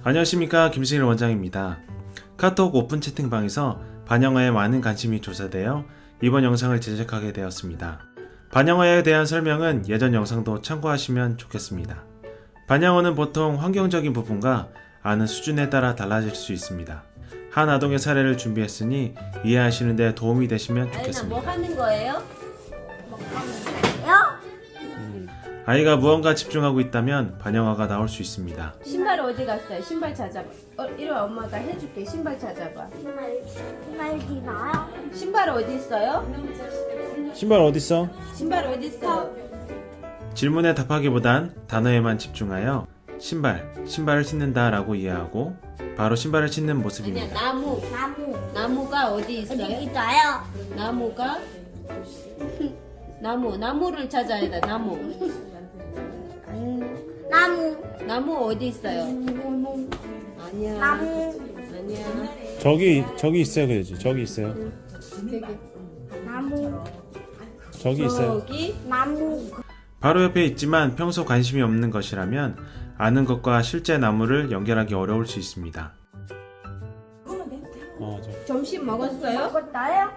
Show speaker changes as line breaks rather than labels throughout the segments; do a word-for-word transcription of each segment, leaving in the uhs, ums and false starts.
안녕하십니까, 김승일 원장입니다. 카톡 오픈 채팅방에서 반영어에 많은 관심이 조사되어 이번 영상을 제작하게 되었습니다. 반영어에 대한 설명은 예전 영상도 참고하시면 좋겠습니다. 반영어는 보통 환경적인 부분과 아는 수준에 따라 달라질 수 있습니다. 한 아동의 사례를 준비했으니 이해하시는 데 도움이 되시면 좋겠습니다.
뭐 하는 거예요?
아이가 무언가 집중하고 있다면 반영어가 나올 수 있습니다.
신발 어디 갔어요? 신발 찾아봐. 어, 이리 와, 엄마가 해줄게. 신발 찾아봐.
신발이 나요?
신발 어디 있어요?
신발 어딨어?
신발 어디 있어요?
질문에 답하기보단 단어에만 집중하여 신발, 신발을 신는다 라고 이해하고 바로 신발을 신는
아니야,
모습입니다.
나무.
나무
나무가 어디 있어요?
어디 있어요?
나무가 나무, 나무를 찾아야 돼. 나무.
나무
나무 어디 있어요?
나무
아니야.
나무
아니야.
저기 저기 있어요, 그러지? 저기 있어요.
나무
저기
저기
나무
바로 옆에 있지만 평소 관심이 없는 것이라면 아는 것과 실제 나무를 연결하기 어려울 수 있습니다. 어, 저.
점심 먹었어요?
먹었어요?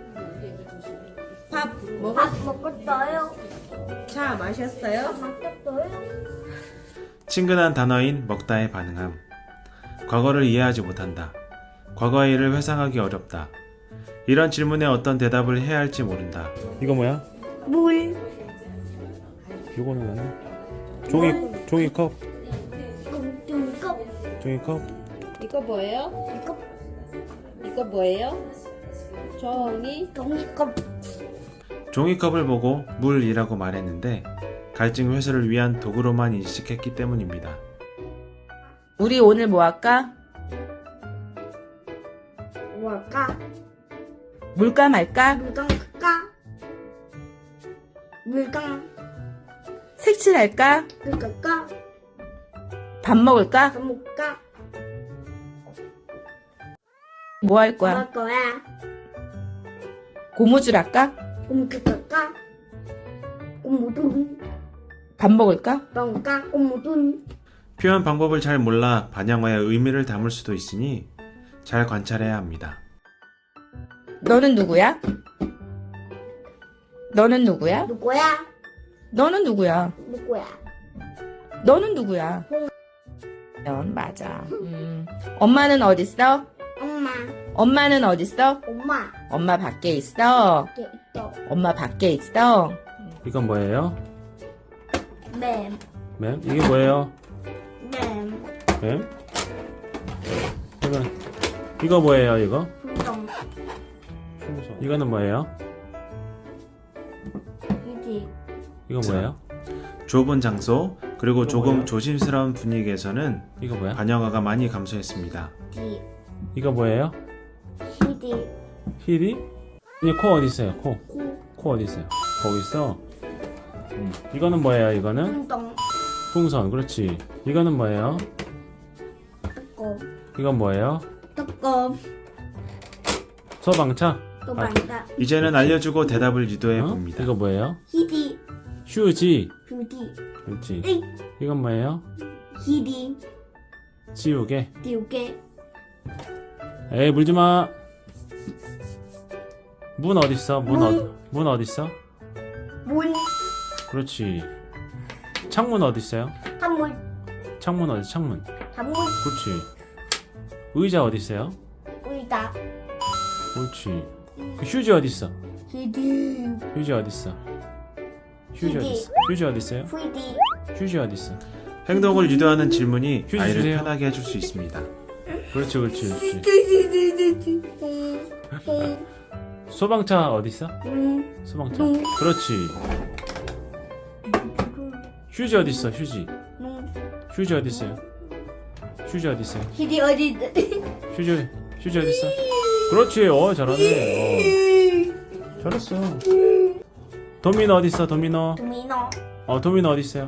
밥 먹었?
밥 먹었어요?
차 마셨어요?
먹었어요?
친근한 단어인 먹다에 반응함. 과거를 이해하지 못한다. 과거의 일을 회상하기 어렵다. 이런 질문에 어떤 대답을 해야 할지 모른다. 이거 뭐야?
물
이거는 뭐냐? 종이 종이컵.
종이컵
종이컵.
이거 뭐예요?
이거
이거 뭐예요? 종이
종이컵
종이컵을 보고 물이라고 말했는데 갈증 해소를 위한 도구로만 인식했기 때문입니다.
우리 오늘 뭐 할까?
뭘까?
물까 말까?
물감 할까? 물감
색칠할까?
물감까?
밥 먹을까?
밥 먹을까?
뭐 할 거야?
먹을 거야?
고무줄 할까?
고무줄 할까? 고무돈
밥 먹을까?
먹을까? 고무돈
표현 방법을 잘 몰라 반영어의 의미를 담을 수도 있으니 잘 관찰해야 합니다.
너는 누구야? 너는 누구야?
누구야?
너는 누구야?
누구야?
너는 누구야? 연 맞아. 음. 엄마는 어딨어?
엄마
엄마는 어딨어?
엄마
엄마 밖에 있어.
이렇게 있어
엄마 밖에 있어.
이건 뭐예요?
맴
맴? 이게 뭐예요?
맴
뱀? 이건 이거 뭐예요, 이거?
풍경
이거는 뭐예요?
이지
이거 뭐예요? 좁은 장소 그리고 조금 조심스러운 분위기에서는 이거 뭐야? 반영어가 많이 감소했습니다.
디
이거 뭐예요?
히디
힐이? 이 코 어디 있어요? 코.
코
코 어디 있어요? 거기 있어. 음. 이거는 뭐예요? 이거는
풍덩
풍선. 그렇지. 이거는 뭐예요?
뜨거
이건 뭐예요?
뜨거
소방차.
또 만다
이제는 알려주고 대답을 유도해
어?
봅니다. 이거 뭐예요?
히디
휴지.
뷰티
그렇지.
응
이건 뭐예요?
히디
지우개.
띄우개
에이, 물지 마. 문 어디 있어? 문
문.
어디? 문 어디 있어?
문
그렇지. 창문 어디 있어요?
한물
창문 어디? 창문.
한물
그렇지. 의자 어디 있어요?
의자
그렇지. 그 휴지 어디 있어?
히디
휴지 어디 있어? 휴지 어디 있어? 휴지 어디 있어요?
후디
휴지 어디 있어? 행동을 유도하는 질문이
휴지
아이를
주세요.
편하게 해줄 수 있습니다. 그렇지, 그렇지, 그렇지. 소방차 어디 있어?
음,
소방차.
음.
그렇지. 휴지 어디 있어? 휴지.
음.
휴지 어디 있어요? 휴지 어디 있어요?
히디 어디 있-
휴지 휴지 어디 있어? 그렇지. 어, 잘하네. 어. 잘했어. 도미노 어디 있어? 도미노.
도미노
어, 도미노 어디 있어요?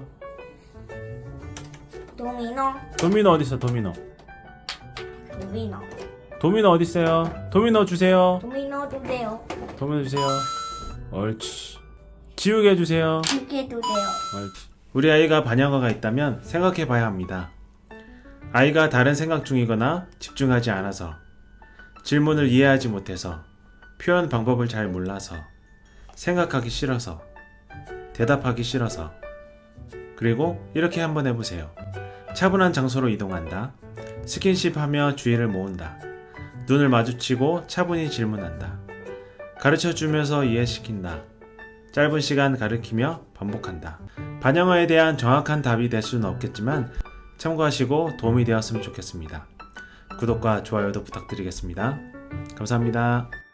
도미노
도미노 어디 있어? 도미노.
도미노
도미노 어디 있어요? 도미노 주세요.
도미노 주세요
도미노 주세요. 옳지. 지우개 해주세요.
두개 주세요
옳지. 우리 아이가 반영어가 있다면 생각해 봐야 합니다. 아이가 다른 생각 중이거나 집중하지 않아서, 질문을 이해하지 못해서, 표현 방법을 잘 몰라서, 생각하기 싫어서, 대답하기 싫어서. 그리고 이렇게 한번 해보세요. 차분한 장소로 이동한다. 스킨십 하며 주의를 모은다. 눈을 마주치고 차분히 질문한다. 가르쳐주면서 이해시킨다. 짧은 시간 가르치며 반복한다. 반영어에 대한 정확한 답이 될 수는 없겠지만 참고하시고 도움이 되었으면 좋겠습니다. 구독과 좋아요도 부탁드리겠습니다. 감사합니다.